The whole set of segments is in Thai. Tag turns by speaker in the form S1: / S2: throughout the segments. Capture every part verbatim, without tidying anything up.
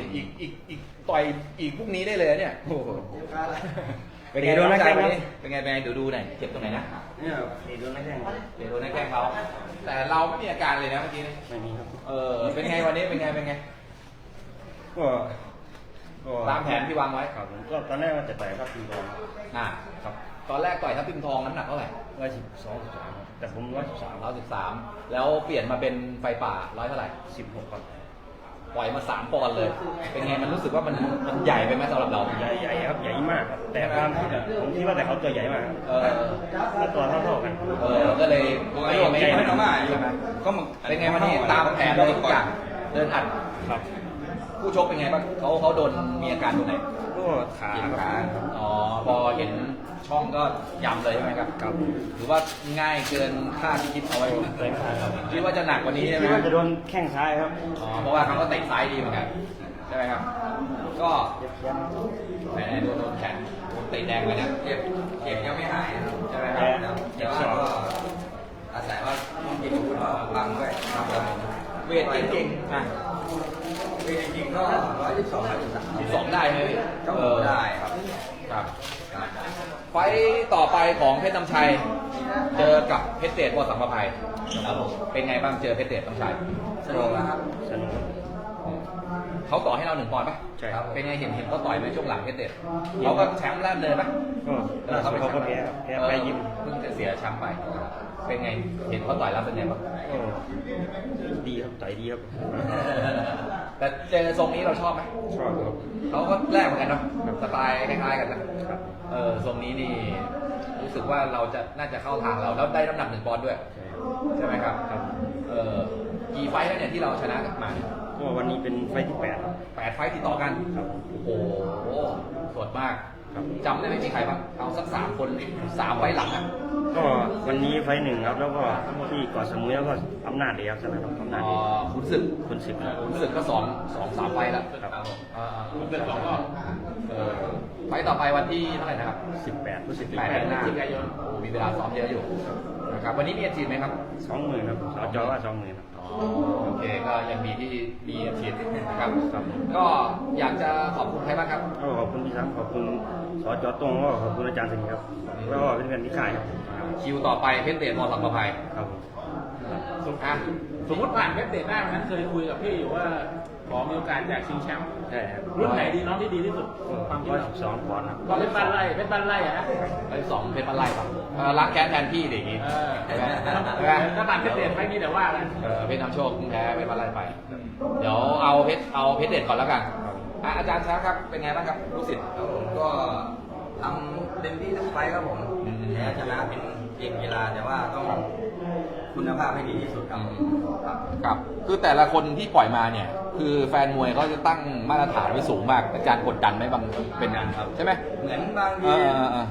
S1: อีกอีกอีกต่อยอีกพรุ่งนี้ได้เลยเนี่ยโอ้โหเป็นไง
S2: โดนนักแข้ง
S1: วันนี้เป็นไงเป็นไงเดี๋ยวดูหน่อยเจ็บตรงไหนนะ
S2: เนี่ยตีโดนนักแข้ง
S1: เดี๋ยวโดนนักแข้งเขาแต่เราไม่มีอาการเลยนะเมื่อกี้นี่
S2: ไม่มีครับ
S1: เออเป็นไงวันนี้เป็นไงเป็นไง
S2: ก็ก็
S1: ตามแผนที่วางไว้
S2: ครับผมก็ตอนแรกว่าจะต่อยครับทีบอล
S1: อ่าครับตอนแรกต่อยทัพทิมทองน้ำหนักเท่าไหร่
S2: ร้อยสิบสองสิบสามแต่ผมร้อยสิบสาม
S1: ร้อยสิบสามแล้วเปลี่ยนมาเป็นไฟป่าร้อยเท่าไหร่
S2: สิบหกครับ
S1: ปล่อยมาสามปอนด์เลย เป็นไงมันรู้สึกว่ามันมันใหญ่ไปไหมสำหรับเรา
S2: ใหญ่ใหญ่ครับใหญ่มากครับแต่ความคิดอะผมคิดว่าแต่เขาตัวใหญ่มาก
S1: เออ
S2: แล้วตัวเท่าๆกัน
S1: เออก็เลยไม่ไม่
S2: ใหญ่
S1: ไม่
S2: มาก
S1: ใช่ไหมก็มึงเป็นไงวันนี้ตามแผนเลยทุกอย่างเดินอัด
S2: ครับ
S1: ผู้ชกเป็นไงบ้างเขาเขาโดนมีอาการตรงไหน
S2: ก็ขาครับ
S1: อ๋อพอเห็นช่องก็ยำเลยใช่ไหมครับ
S2: ครับ
S1: หรือว่าง่ายเกินคาดที่คิดเอาไว้
S2: เต็มขาครับ
S1: คิดว่าจะหนักกว่านี้ใช่ไหม
S2: คิดว่าจะโดนแข้งซ้ายครับ
S1: อ๋อเพราะว่าเขาก็เตะซ้ายดีเหมือนกันใช่ไหมครับ ก็แหมโดนโดนแขนโดนเตะแดงไปเนี่ยเจ็บเจ็บยังไม่หายนะครับใช่ไหมครับแต่ว่าก็อาศัยว่าต้องกินอาวุธบังด้วยครับเวทเก่งๆอ่ะเวทจริงๆก็ร้อยยี่สิบสองร้อยยี่สิบสามสิบสองได้ไหมพี่ก็ได้ครับครับไฟต่อไปของเพชรน้ำชัย เจอกับเพชรเดชวสังประภัยครับผมเป็นไงบ้างเจอเพชรเดชน้ำชัยสนุกนะครับ
S2: สนุกครับ
S1: เขาต่อให้เราหนึ่งปอนด์ปะ
S2: ใช่ครับ
S1: เป็นไงเห็นเห็นเขาต่อยไหมช่วงหลังเพชรเดชเขาก็แชมป์แรกเลยปะ
S2: ก็ล่าสุดเขาก็แพ้ครับแพ้ไปยิ้ม
S1: เพิ่งจะเสียแชมป์ไป เป็นไงเห็นเขาต่อยแล้วเป็นไงบ้าง
S2: ก็ดีครับต่อยดีครับ
S1: แต่เจอทรงนี้เราชอบไหม
S2: ชอบครับ
S1: เขาก็แรกเหมือนกันเนาะสไตล์คล้ายๆกันนะครับ เออทรงนี้นี่รู้สึกว่าเราจะน่าจะเข้าทางเราแล้วได้น้ำหนักหนึ่งปอนด์ด้วย
S2: ใช่ครับ
S1: ใช่ไหมครับ
S2: ครับ
S1: เออกี่ไฟท์แล้วเนี่ยที่เราชนะกันมาเนี่ย
S2: ก็วันนี้เป็นไฟล์ที่แปดครับ
S1: แปดไฟท์ติดต่อกัน
S2: ครับ
S1: โอ้โหสดมาก
S2: ครับ
S1: จำได้ไหมมีใครบ้างเอาสักสามคนสามไฟท์หลังอ่ะ
S2: ก็วันนี้ไฟล์หนึ่งครับแล้วก็ที่เกาะสมุยแล้วก็อำนาจเดียวชนะครับอำนาจ
S1: อ๋อ
S2: เดียว
S1: คุณศึก
S2: คนสิบครับ
S1: คุณศึกก็สองสองสามไฟท์แล้ว
S2: ครับ
S1: อ่าคุณศึกสองรอบเออไฟท์ต่อไปวันที่เท่าไหร่นะครับ
S2: สิบแปดรู้สึก
S1: แปดหน้าโอ้มีเวลาซ้อมเยอะอยู่นะครับวันนี้มีอาชีพไหมครับ
S2: สองหมื่นครับสจว่าสองหมื่นครับ
S1: อ๋อโอเคก็ยังมีที่มีอาชีพนะครับ
S2: ครับ
S1: ก็อยากจะขอบคุณใครบ้างครับ
S2: ก็ขอบคุณพี่ช้างขอบคุณสจตรงก็ขอบคุณอาจารย์สิงห์ครับแล้วก็เป็นเพื่อนที่ค่ายครับ
S1: คิวต่อไปเพชรเดชมอสังประภัย
S2: ครับผม
S1: อ่ะ
S3: สมมติผ่านเพชรเดชได้วันนั้นเคยคุยกับพี่อยู่ว่าขอมีโอกาสอยากชิงแชมป์
S2: ใช่ครับ
S3: รุ่นไหนดีน้องที่ดีที่สุดความคิด
S2: ร้อย
S3: เรา
S2: สิบสองปอนด์ครับ
S3: ก็เพชรบ้านไร่เพชรบ้านไร่อะนะ
S1: ไอ้สองเพชรบ้านไร่ป่ะเออล้างแค้นแทนพี่ดิอย่างงี้
S3: เออ
S1: ใช่ไหมใช่ไหม
S3: ถ้าผ่านเพชรเดชไปนี้เดี๋ยวว่ากัน
S1: เออเพชรน้ำโชคเพิ่งแพ้เพชรบ้านไร่ไป เดี๋ยวเอาเพชรเอาเพชรเด็ดก่อนแล้วกันอ่ะอาจารย์ช้าครับเป็นไงบ้างครับลูกศิษย์
S4: ครับผมก็ทำเต็มที่ทุกไฟล์ครับผม
S1: อืม
S4: แพ้ชนะเป็นเกมกีฬาแต่ว่าต้องคุณภาพให้ดีที่สุดครับครับ
S1: ครับคือแต่ละคนที่ปล่อยมาเนี่ย คือแฟนมวยเขาจะตั้งมาตรฐานไว้สูงมากอาจารย์กดดันไหมบางเป็นอย่างครับใช่ไหม
S4: เหมือนบาง
S1: เอ
S4: ที
S1: อเออเออบ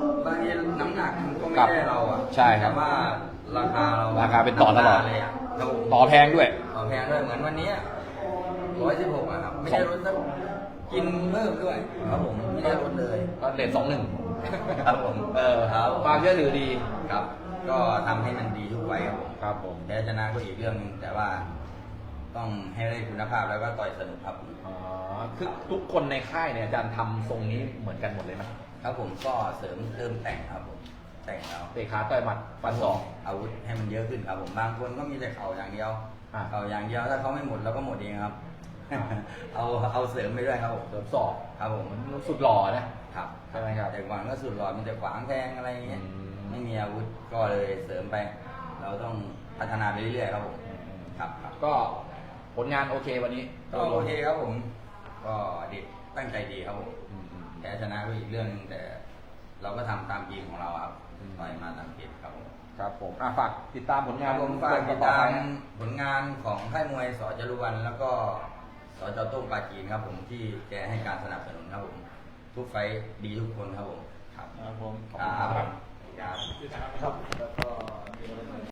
S4: างทีน้ำหนักมันก็ไม่
S1: ครับ
S4: ได้เราอ่ะ
S1: ใช่ครับ
S4: แต่ว่าราคาเรา
S1: ราคาเป็นต่อตลอด
S4: เลยอ่ะครับผม
S1: ต่อแพงด้วย
S4: ต่อแพงด้วยเหมือนวันนี้ร้อยสิบหกอะครับไม่ได้ลดสักกินเพิ่มด้วยครับผมไม่ได้ลดเลย
S1: ก็เลทสองหนึ่ง
S4: ครับผม
S1: เออ
S4: ครับ
S1: ความเชื่อถือดี
S4: ครับ ก็ทำให้มันดีทุกไฟล์ครับผม
S1: ครับผม
S4: แพ้ชนะก็อีกเรื่องหนึงแต่ว่าต้องให้ได้คุณภาพแล้วก็ต่อยสนุกครับ
S1: อ๋อคือทุกคนในค่ายเนี่ยอาจารย์ทำทรงนี้เหมือนกันหมดเลยไหม
S4: ครับผมก็เสริมเติมแต่งครับผมแต่งแล้ว
S1: เตะขาต่อยหมัดฟันศอก
S4: อาวุธให้มันเยอะขึ้นครับผมบางคนก็มีแต่เข่าอย่างเดียว
S1: อ่า
S4: เข่าอย่างเดียวถ้าเขาไม่หมดเราก็หมดเองครับ เอาเอาเสริมไปด้วยครับผม
S1: เสริมศอก
S4: ครับผม
S1: มันสุดหล่อนะครับ ใช่ไหมครับ
S4: แต่ก่อนก็สุดหลอดมันจะขวางแทงอะไรอย่างเงี้ย
S1: อืม
S4: ไม่มีอาวุธก็เลยเสริมไป เราต้องพัฒนาไปเรื่อยๆครับผมครับครับ
S1: ก็ผลงานโอเควันนี้
S4: ก็โอเคครับผม ก็เด็กตั้งใจดีครับผม
S1: อืมอืม
S4: แพ้ชนะก็อีกเรื่องหนึงแต่เราก็ทำตามเกมของเราครับ
S1: อืม
S4: ต่อยมาตามเกมครับผม
S1: ครับผมอ่ะฝากติดตามผลงาน
S4: ผมฝากติด
S1: ต่อ
S4: ตา
S1: ไป
S4: ม
S1: นะ
S4: ผลงานของค่ายมวยสจรุวันแล้วก็สจโต้งปาจีนครับผมที่แกให้การสนับสนุนครับผมทุกไฟท์ดีทุกคนครับผมครับ
S3: ครับผม
S4: ครับ
S1: ครับ